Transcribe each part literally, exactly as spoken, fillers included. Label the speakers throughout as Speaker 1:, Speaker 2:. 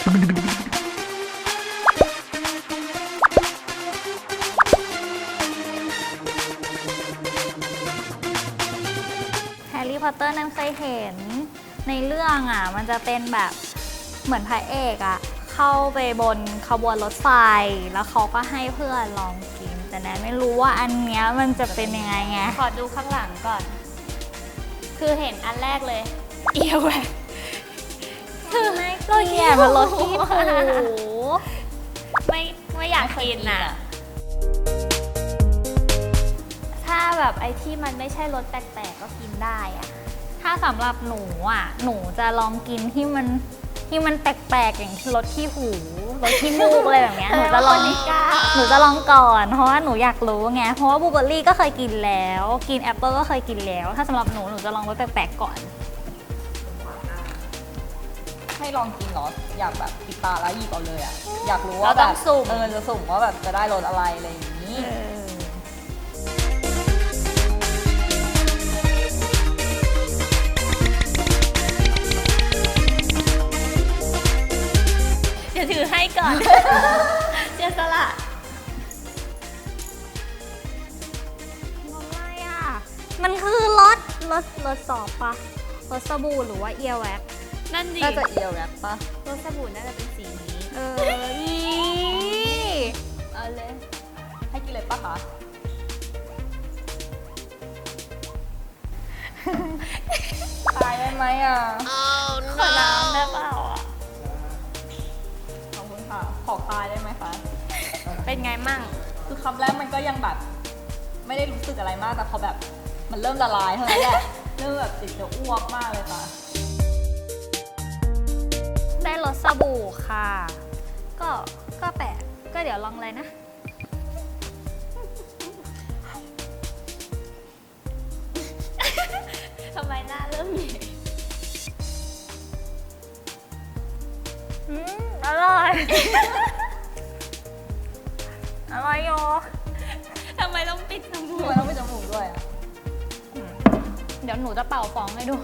Speaker 1: แฮร์รี่พอตเตอร์นั้นเคยเห็นในเรื่องอ่ะมันจะเป็นแบบเหมือนพระเอกอ่ะเข้าไปบนขบวนรถไฟแล้วเขาก็ให้เพื่อนลองกินแต่แนนไม่รู้ว่าอันเนี้ยมันจะเป็นยังไงไงขอดูข้างหลังก่อนคือเห็นอันแรกเลยเอียวแหวกคือรถขี้หูมันรถขี้หูไม่ไม่อยากกินอ่ะถ้าแบบไอ้ที่มันไม่ใช่รสแปลกๆก็กินได้อะถ้าสำหรับหนูอ่ะหนูจะลองกินที่มันที่มันแปลกๆอย่างรสขี้หูรสขี้มูกอะไรแบบเนี้ยหนูจะลองหนูจะลองก่อนเพราะว่าหนูอยากรู้ไงเพราะว่าบลูเบอร์รี่ก็เคยกินแล้วกินแอปเปิลก็เคยกินแล้วถ้าสำหรับหนูหนูจะลองรสแปลกๆก่อน
Speaker 2: ให้ลองกินเหรออยากแบบปิดตาแล้วหยิบเอาเลยอ่ะอยากรู้ว่าแบบเออจะสุ่มว่าแบบจะได้รสอะไรอะไรอย่างนี้
Speaker 1: เดี๋ยวถือให้ก่อนเจสละอะไรอ่ะมันคือรสรสรสสอบปะรสสบู่หรือว่าเอียแว็กนั่นดิ
Speaker 2: น่าจะเอียวแรปปะ
Speaker 1: รสสบู่น่าจะเป็นสีนี้เอออี
Speaker 2: เอาเลยให้กินเลยปะคะตายได้ไหมอ่ะ
Speaker 1: ขอน้ำได้เปล่าอ่ะ
Speaker 2: ขอบคุณค่ะขอตายได้ไหมคะ
Speaker 1: เป็นไงมั่ง
Speaker 2: คือคำแรกมันก็ยังแบบไม่ได้รู้สึกอะไรมากแต่พอแบบมันเริ่มละลายเท่านั้นแหละ เริ่มแบบติดจะอ้วกมากเลยค่ะ
Speaker 1: ได้รสสบู่ค่ะ ก็ก็แปลกก็เดี๋ยวลองเลยนะทำไมหน้าเริ่มใหญ่อืมอร่อย อร่อยโยทำไมต้องปิดจมู
Speaker 2: ทำ
Speaker 1: ก
Speaker 2: ไมต้องไปจมูกด้วยอ่ะ
Speaker 1: เดี๋ยวหนูจะเป่าฟองให้ดู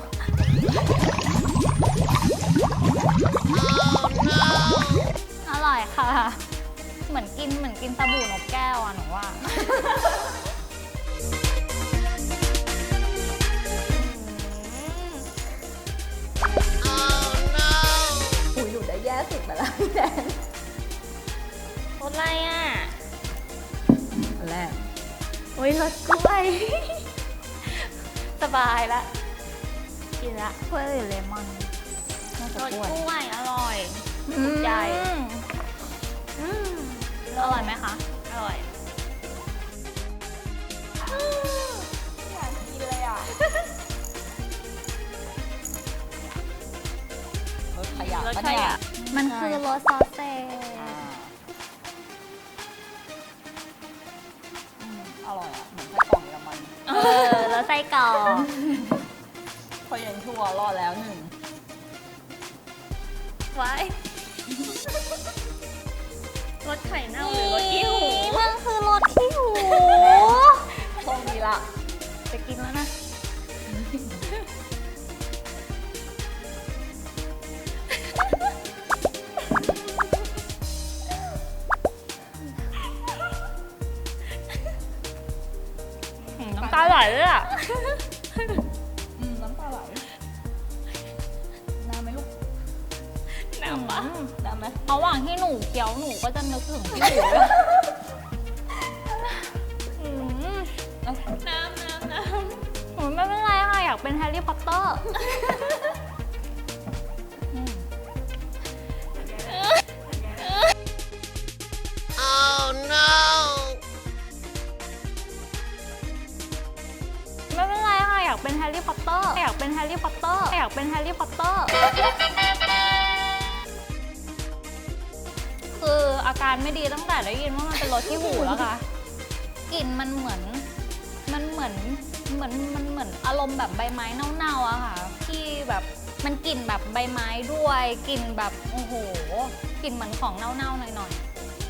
Speaker 1: อร่อยค่ะ เหมือนกินเหมือนกินสบู่นกแก้วอ่ะหนูว่า
Speaker 2: อุ้ยหนูได้แย่สุดไปแล้วพี่แดน
Speaker 1: รสอะไรอ่ะ
Speaker 2: อันแรก
Speaker 1: โอ้ยรสกล้วย สบายละกินละกล้วยหรือเลมอน
Speaker 2: น่าจะ
Speaker 1: รส
Speaker 2: กล้วย
Speaker 1: กล้วยอร่อยถูกใจอืมอร่อยไหมคะ อร่อย
Speaker 2: อยากกินเลยอ่ะรสขยะ
Speaker 1: รส
Speaker 2: ปะ
Speaker 1: ชา
Speaker 2: เนี่ย
Speaker 1: ติมันคือรสซอสเซจ
Speaker 2: อ่าอืมอร่อยอ่ะเหมือนไส้กรอกเยอรมัน
Speaker 1: เออแล้วไส้กรอก
Speaker 2: พอเย็นชั่วรอดแล้วหนึ่ง
Speaker 1: ไว้รสไข่เน่าหรือรสขี้หูมันคือรสขี้หู
Speaker 2: โชคดีละ
Speaker 1: จะกินแล้วนะน้ำตาไหลเลยอ่ะ
Speaker 2: อืมน้ำตาไหลน้ำไหมลูก
Speaker 1: น้ำปะ
Speaker 2: น้ำไหม
Speaker 1: ระหว่างที่หนูเคี้ยวหนูก็จะนึกถึงพี่หนูอืม
Speaker 2: น้ำน้ำน้ำ
Speaker 1: หนูไม่เป็นไรค่ะ อยากเป็นแฮร์รี่พอตเตอร์อืมไม่เป็นไรค่ะ อยากเป็นแฮร์รี่พอตเตอร์อยากเป็นแฮร์รี่พอตเตอร์อยากเป็นแฮร์รี่พอตเตอร์คืออาการไม่ดีตั้งแต่ได้ยินว่ามันเป็นรสที่หูแล้วค่ะกลิ่นมันเหมือนมันเหมือนเหมือนมันเหมือนอารมณ์แบบใบไม้เน่าๆอะค่ะที่แบบมันกลิ่นแบบใบไม้ด้วยกลิ่นแบบโอ้โหกลิ่นเหมือนของเน่าๆหน่อยๆ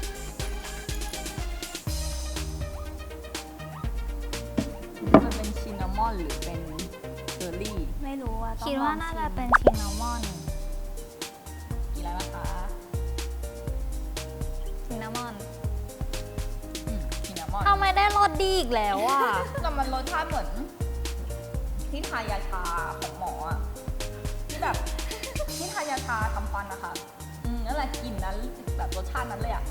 Speaker 2: มันเป็นชินนามอนหรือเป็นเบอร์รี่
Speaker 1: ไม่รู้ว่า
Speaker 2: ต้อง
Speaker 1: คิดว่า
Speaker 2: ลอง
Speaker 1: น่า
Speaker 2: ชิ
Speaker 1: จะ
Speaker 2: ม
Speaker 1: เป็นชินนามอน
Speaker 2: กินแล้วนะคะ
Speaker 1: รสดีอีกแล้วอ่ะ
Speaker 2: แต่มันรสชาติเหมือนที่ทายาชาของหมออะที่แบบที่ทายาชาทำฟันนะคะอืมนั่นแหละกลิ่นนั้นแบบรสชาตินั้นเลยอะ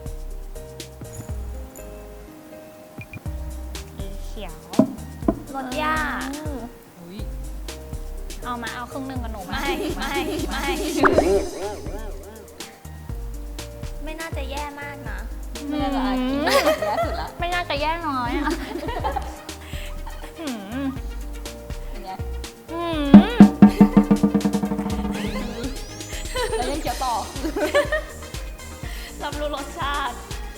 Speaker 1: สีเขียวรสย่า
Speaker 2: อุ้ย
Speaker 1: เอามาเอาครึ่งหนึ่งกับหนูไหม
Speaker 3: ไม่ไม่ไม่ ไม่น่าจะแย่มากนะ
Speaker 2: ไม่น่าจะอากินแย่สุดละ
Speaker 1: ไม่น่าจะแย่น้อยอ่ะหืม
Speaker 2: เป็นไง
Speaker 1: หืม
Speaker 2: แล้วยังเคี้ยวต่อ
Speaker 3: รับรู้รสชาติ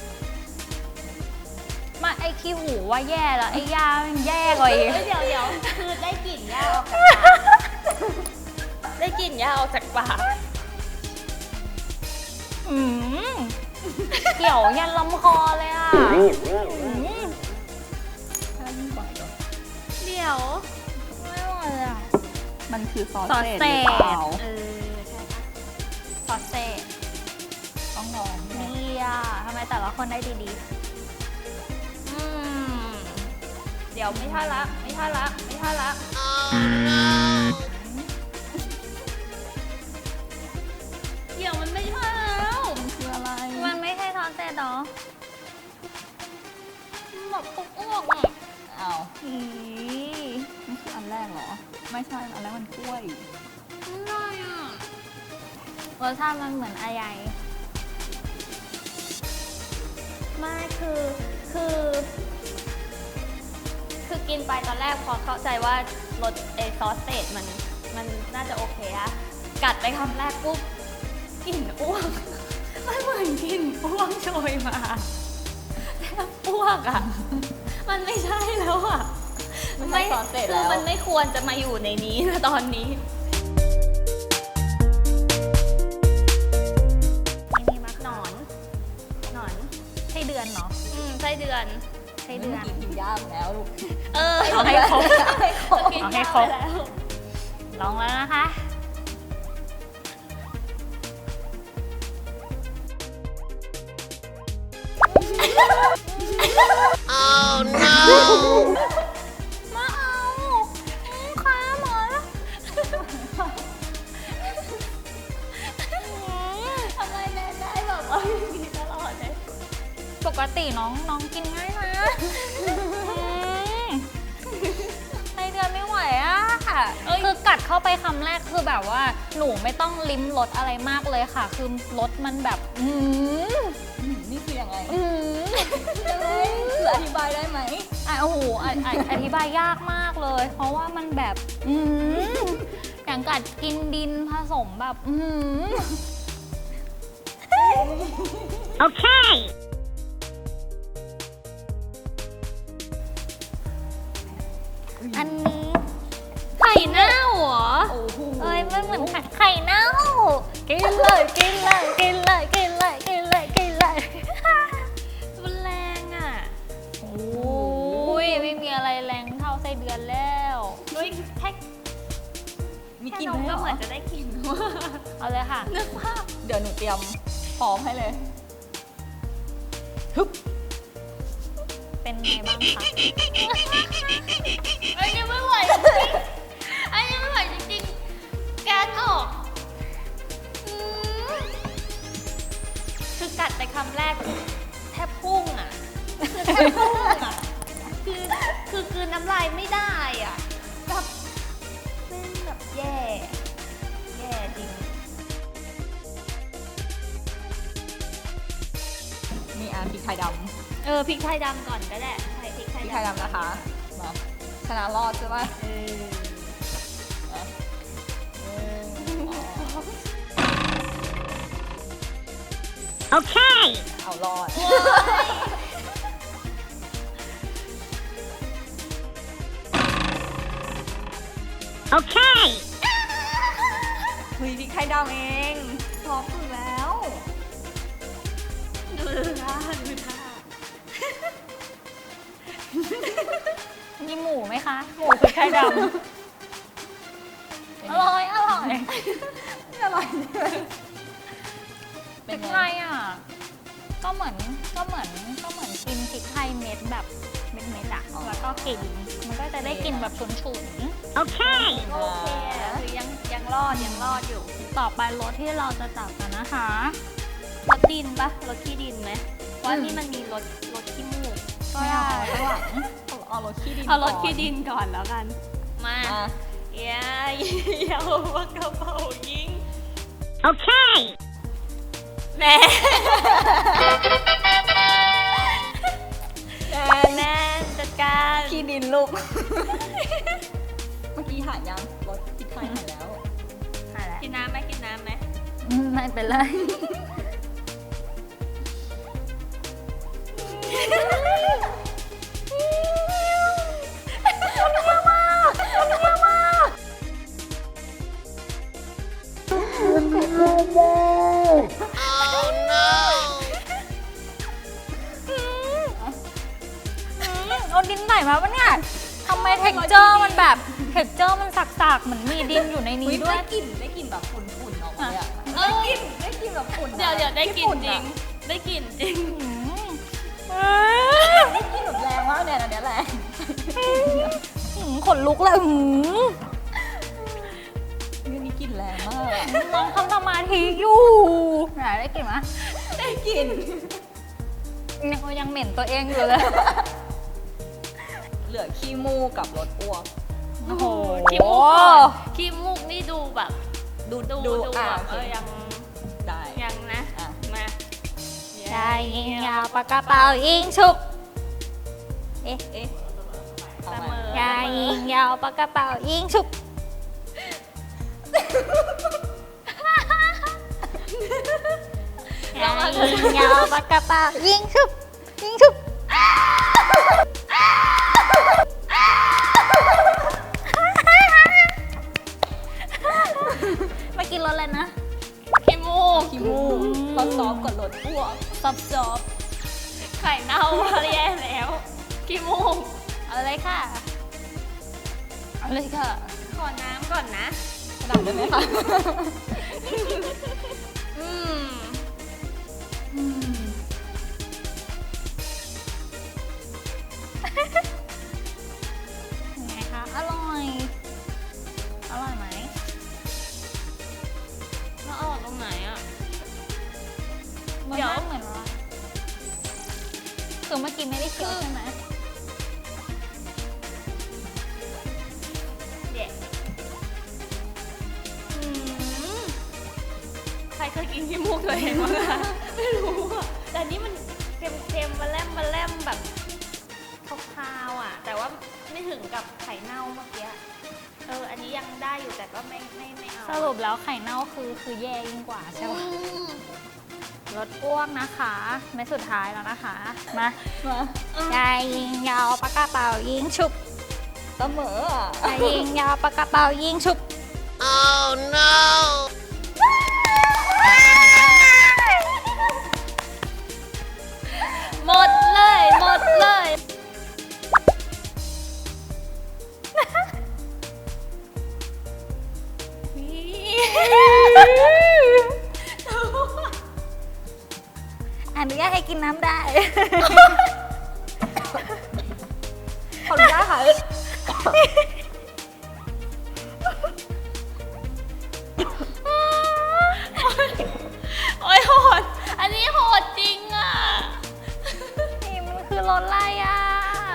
Speaker 1: มาไอ้ขี้หูว่าแย่แล้วไอ้ยามันแย่กว่าอีก
Speaker 3: เอ้ยเดี๋ยวเดี๋ยวคือได้กลิ่นหญ้าออกจากปากได้กลิ่นหญ้าออกจากปาก
Speaker 1: อืมเกี่ยวยันลำคอเลยอ่ะอืม
Speaker 2: ถ้ายิ่งกว่าเหรอ
Speaker 3: เดี๋ยว
Speaker 1: ไม่ไหวเลยอ่ะ
Speaker 2: มันคือซอส
Speaker 1: ซอส
Speaker 2: เศษหรือเปล่า
Speaker 1: เศษ
Speaker 3: เออใช่ปะ
Speaker 1: ซอสเซจ
Speaker 2: ต้องลองแน่
Speaker 1: นี่อ่ะทำไมแต่ละคนได้ดี
Speaker 3: อืมเดี๋ยวไม่ท่าละไม่ท่าละไม่ท่าละเดี๋ยวมันไม่ท่าแล้ว
Speaker 2: มันคืออะไร
Speaker 1: ๆมันไม่ใช่ซอสเซจหรอ
Speaker 3: มันแบบอ้วกๆอ่ะ
Speaker 2: อ้าว
Speaker 1: อี
Speaker 2: นี่คืออันแรกเหรอ ไม่ใช่ อันแรกมันกล้วย
Speaker 3: อะไรอ่ะ
Speaker 1: รสชาติมันเหมือนอะไร
Speaker 3: ไม่คือคือ คือกินไปตอนแรกพอเข้าใจว่ารสเอซอสเศษมันมันน่าจะโอเคอะกัดไปคำแรกปุ๊บกลิ่นอ้วก มันเหมือนกลิ่นอ้วกโชยมาแทบอ้วกอะมันไม่ใช่แล้วอะ
Speaker 2: ไม่ใช่ซอสเศษแล้ว
Speaker 3: คือมันไม่ควรจะมาอยู่ในนี้นะตอนนี้
Speaker 1: นี่นี่มัก
Speaker 3: หนอนหนอน
Speaker 1: ไส้เดือนเนาะ
Speaker 3: อืมไส้เดือน
Speaker 1: ไส้เดือน
Speaker 2: กินกินย่ามแล้วลูก
Speaker 3: เออ
Speaker 1: เอาให้ครบ
Speaker 2: ให้ครบ
Speaker 3: กิน
Speaker 1: เอาให้
Speaker 3: ยา
Speaker 1: ครบ
Speaker 3: ไปแล้ว
Speaker 1: ลองแล้วนะคะ มาเอาอืมค้าหมอแล้ว
Speaker 3: ทำไมแนนได้แบบว่าอย่างนี้ตลอดเลย
Speaker 1: ปกติน้องน้องกินง่ายนะอืมไส้เดือนไม่ไหวอะค่ะ
Speaker 3: เอ้ย
Speaker 1: คือกัดเข้าไปคำแรกคือแบบว่า หนูไม่ต้องลิ้มรสอะไรมากเลยค่ะ คือรสมันแบบ อืม
Speaker 2: อืมนี่คือยังไง
Speaker 1: อืม
Speaker 2: ยังไงคืออธิบายได้ไหม
Speaker 1: อ่ะโอ้โหอ่ะอ่ะอธิบายยากมากเลย เพราะว่ามันแบบ อืมอย่างกัดกินดินผสมแบบ อืมโอเค อันนี้
Speaker 3: ไข่เน่าเหรอ
Speaker 2: โอ้โห
Speaker 1: เอ้ยมันเหมือนไข่ไข่เน่ากินเลยกินเลยกินเลยกินเลยกินเลยกินเลย
Speaker 3: มันแรงอ่ะ
Speaker 1: โอ้ยไม่มีอะไรแรงเท่าไส้เดือนแล้ว
Speaker 3: เฮ้ยแค่
Speaker 2: มี
Speaker 3: แค่
Speaker 2: กลิน
Speaker 3: นม
Speaker 2: ด้วย
Speaker 3: ก็
Speaker 2: เหร
Speaker 3: เหมื
Speaker 2: อ
Speaker 3: อนจะได้กลิ่น
Speaker 1: เอาเลยค่ะ
Speaker 3: นึกภาพ
Speaker 2: เดี๋ยวหนูเตรียมพร้อมให้เลยฮึบ
Speaker 1: เป็นไงบ้างคะ
Speaker 3: ไอ้ยังไม่ไหวจริงๆไอ้ยังไม่ไหวจริงๆแกนออกอืมคือกัดไปคำแรกแทบพุ่งอ่ะคือแทบพุ่งอ่ะคือคือคือน้ำลายไม่ได้อ่ะแบบเป็นแบบแย่ แย่จริง
Speaker 2: มีอาพริกไทยด
Speaker 3: เออพริกไทยดำก่อนก็ได้ใส่พริก
Speaker 2: ำ
Speaker 3: ไท
Speaker 2: พ
Speaker 3: ย
Speaker 2: ริก
Speaker 3: ดำ
Speaker 2: ไทยดำนะคะ มาชนะรอดใช่ไหม
Speaker 3: เออ
Speaker 2: อ่ะหนึ่งสอง
Speaker 1: โอเค
Speaker 2: เอารอด
Speaker 1: โอเค
Speaker 2: เฮ้ยพริกไทยดำเองพร้อมสุดแล้ว
Speaker 3: ดูท่าดูท่า
Speaker 1: มีหมูไหมคะ หมูพริกไทยดำอร่อย อร่อย
Speaker 2: ไม่อร่อยเลย
Speaker 1: เป็นไงอ่ะก็เหมือนก็เหมือนก็เหมือนกินพริกไทยเม็ดแบบเม็ดเม็ดๆอะแล้วก็กินมันก็จะได้กลินแบบฉุนๆโอเค
Speaker 3: โอเคคือยังยังรอดยังรอดอยู่
Speaker 1: ต่อไปรสที่เราจะจับกันนะคะ
Speaker 3: รถดินปะรถขี้ดินไหมเพราะนี่มันมีรถรถขี้มูก
Speaker 1: ก็ได้
Speaker 2: ข้างหลังเอารถขี้ดิน
Speaker 3: เอารถ
Speaker 2: ก่น
Speaker 3: ขี้ดินก่อนแล้วกัน มา
Speaker 2: อ่ะ
Speaker 3: เย้ยาวปากกระเป๋ายิง
Speaker 1: โอเค
Speaker 3: แม่
Speaker 2: แดง
Speaker 3: แน่จัดการ
Speaker 2: ขี้ดินลูก เมื่อกี้หายยังรถพริกไทยหายแล้ว
Speaker 1: หายแล้ว
Speaker 3: กินน้ำไหมกินน้ำไหม
Speaker 1: อืมไม่เป็นไรเอาดินไหนมาปะเนี่ยทำไมเท็กเจอร์มันแบบเท็กเจอร์มันสักๆเหมือนมีดินอยู่ในนี้ด้วย
Speaker 2: ได้กลิ่นได้กลิ่นแบบฝุ่นๆออกมาเลยอะ
Speaker 3: เอ้ย
Speaker 2: ได้กลิ่นแบบฝุ่นอะ
Speaker 3: เดี๋ยวเดี๋ยวได้กลิน
Speaker 2: ฝุ่
Speaker 3: จริ
Speaker 2: อะ
Speaker 3: ง ได้กลินจริง
Speaker 2: ได้กลิ่นแบบแรงมากเนี่ยอันเนี้ยแรง
Speaker 1: หืมขนลุกเลยหืม
Speaker 2: นี่นี่กลิ่นแรงมากอะ
Speaker 1: น้องทำสมาธิอยู่ไหนได้กลิ่นไหม
Speaker 2: ได้กลิ่น
Speaker 1: ยังยังเหม็นตัวเองอยู่เลย
Speaker 2: เหลือขี้มูกกับรสอ้วก
Speaker 1: โอ้โห
Speaker 3: ขี้มูกก่อนขี้มูกนี่ดูแบบ
Speaker 2: ดู
Speaker 3: ดู
Speaker 2: ดู
Speaker 3: ดู
Speaker 2: อ่ะ
Speaker 3: แบบ
Speaker 2: โอ
Speaker 3: เอ
Speaker 2: เค
Speaker 3: อยัง
Speaker 2: ได้
Speaker 3: ยังนะ
Speaker 2: อ่ะ
Speaker 3: มา
Speaker 1: ใช่ยิงยาวปากกระเป๋ายิงฉุบเอ๊ะ
Speaker 2: เอ๊ะ
Speaker 3: เส
Speaker 2: เอา
Speaker 3: ม
Speaker 2: ใหม่
Speaker 3: อย
Speaker 1: ายิงยาวปากกระเป๋ายิงฉุบยายิงยาวปากกระเป๋ายิงฉุบยิงฉุบมากินรสอะไรนะ
Speaker 3: ขี้มูก
Speaker 2: ขี้มูกพอซอฟกับรสอ้วก
Speaker 3: ซอบซอบไข่เน่าแย่แล้วขี้มูก
Speaker 1: เอาเลยค่ะ เอาเลยค่ะ
Speaker 3: ขอน้ำก่อนนะ
Speaker 2: ขนาดได้ไหมคะ
Speaker 3: อืม
Speaker 2: อืม
Speaker 1: ยังไงคะ อร่อย อร่อยไหม
Speaker 3: แล้วเอาออกตรงไหนอ่ะ
Speaker 1: มัน
Speaker 3: เดี๋ยว
Speaker 1: ไม่เหมือนว่าคือเมื่อกี้ไม่ได้เคี้ยวใช่ไหม
Speaker 3: เด็ดอืมใครเคยกินขี้มูกตัวเองบ้างคะไม่รู้อ่ะ แต่นี่มันเค็มๆมาแลมมาแลมแบบคาวๆอ่ะ แต่ว่าไม่ถึงกับไข่เน่าเมื่อกี้ เออ อันนี้ยังได้อยู่แต่ก็ไม่ไม่ไม่เอา
Speaker 1: สรุปแล้วไข่เน่าคือคือแย่ยิ่งกว่าใช่
Speaker 3: อื
Speaker 1: ปะ
Speaker 3: ม
Speaker 1: รสอ้วกนะคะเม็ดสุดท้ายแล้วนะคะ มา
Speaker 2: มา
Speaker 1: ยายยิงยาวปากกระเป๋ายิงฉุบ
Speaker 2: เสมออ่ะ
Speaker 1: ยายยิงยาวปากกระเป๋ายิงฉุบ
Speaker 3: หมดเลย หมดเลย
Speaker 1: อนุญาตให้กินน้ำได้
Speaker 2: ขออนุญาตค่ะ
Speaker 3: โอ้ยโหด อันนี้โหดจริงอ่ะ
Speaker 1: นี่มันคือรสอะไรอ่ะ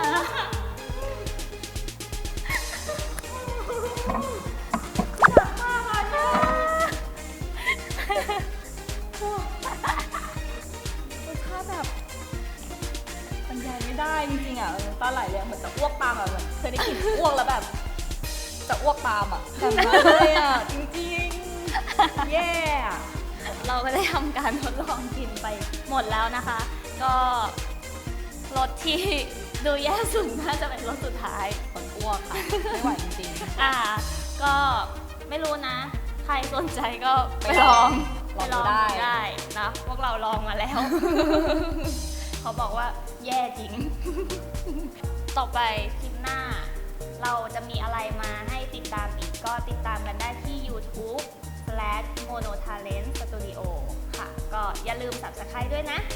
Speaker 2: รสชาติแบบบรรยายไม่ได้จริงๆอ่ะเออน้ำตาไหลเลยอะเหมือนจะอ้วกตามอ่ะเหมือนเคยได้กลิ่นอ้วกแล้วแบบ จะอ้วกตามอ่ะแบบนั้นเลยอ่ะจริงๆ แย่อะ
Speaker 3: เราก็ได้ทำการทดลองกินไปหมดแล้วนะคะ ก็รสที่ดูแย่สุดน่าจะเป็นรสสุดท้าย
Speaker 2: ขนอ้วกค่ะ ไม่ไหวจริง
Speaker 3: อ่า ก็ไม่รู้นะ ใครสนใจก็
Speaker 2: ๆ
Speaker 3: ไปลอง
Speaker 2: ลอง
Speaker 3: ไปล
Speaker 2: ดู
Speaker 3: อง
Speaker 2: ได้
Speaker 3: ดูได้นะพวกเราลองมาแล้ว เขาบอกว่าแย่จริง ต่อไปคลิปหน้า เราจะมีอะไรมาให้ติดตามอีกก็ติดตามกันได้ที่ YouTube slash monotalent studio ค่ะ ก็อย่าลืม Subscribe ด้วยนะ